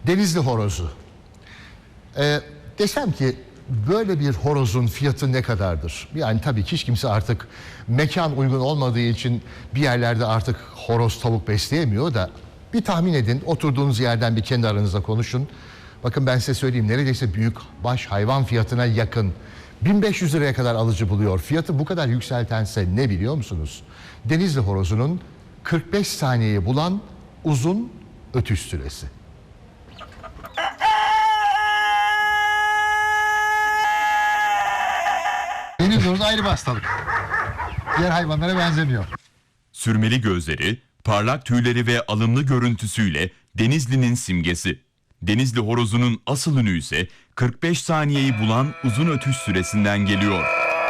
Denizli horozu. Desem ki böyle bir horozun fiyatı ne kadardır? Yani tabii ki hiç kimse artık mekan uygun olmadığı için bir yerlerde artık horoz tavuk besleyemiyor da bir tahmin edin, oturduğunuz yerden bir kendi aranızda konuşun. Bakın ben size söyleyeyim, neredeyse büyük baş hayvan fiyatına yakın. 1500 liraya kadar alıcı buluyor. Fiyatı bu kadar yükseltense ne biliyor musunuz? Denizli horozunun 45 saniyeyi bulan uzun ötüş süresi. Deniz horozu ayrı bir hastalık. Diğer hayvanlara benzemiyor. Sürmeli gözleri, parlak tüyleri ve alımlı görüntüsüyle Denizli'nin simgesi. Denizli horozunun asıl ünü ise 45 saniyeyi bulan uzun ötüş süresinden geliyor.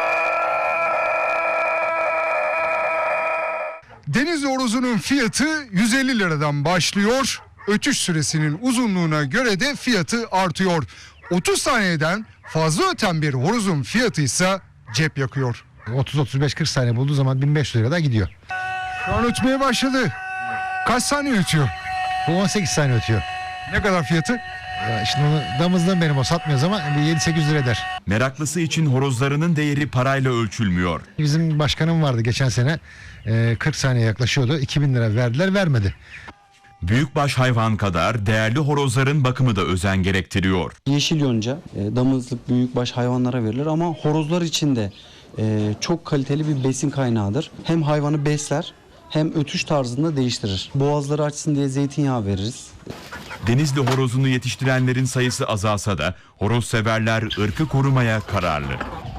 Denizli horozunun fiyatı 150 liradan başlıyor. Ötüş süresinin uzunluğuna göre de fiyatı artıyor. 30 saniyeden fazla öten bir horozun fiyatı ise cep yakıyor. 30-35-40 saniye bulduğu zaman 1500 lirada gidiyor. Şu an ötmeye başladı. Kaç saniye ötüyor? Bu 18 saniye ötüyor. Ne kadar fiyatı? Ya şimdi onu damızlığım benim, o satmıyoruz ama 7-8 lira eder. Meraklısı için horozlarının değeri parayla ölçülmüyor. Bizim başkanım vardı geçen sene, 40 saniye yaklaşıyordu, 2000 lira verdiler, vermedi. Büyükbaş hayvan kadar değerli horozların bakımı da özen gerektiriyor. Yeşil yonca damızlık büyükbaş hayvanlara verilir ama horozlar için de çok kaliteli bir besin kaynağıdır. Hem hayvanı besler hem ötüş tarzında değiştirir. Boğazları açsın diye zeytinyağı veririz. Denizli horozunu yetiştirenlerin sayısı azalsa da horoz severler ırkı korumaya kararlı.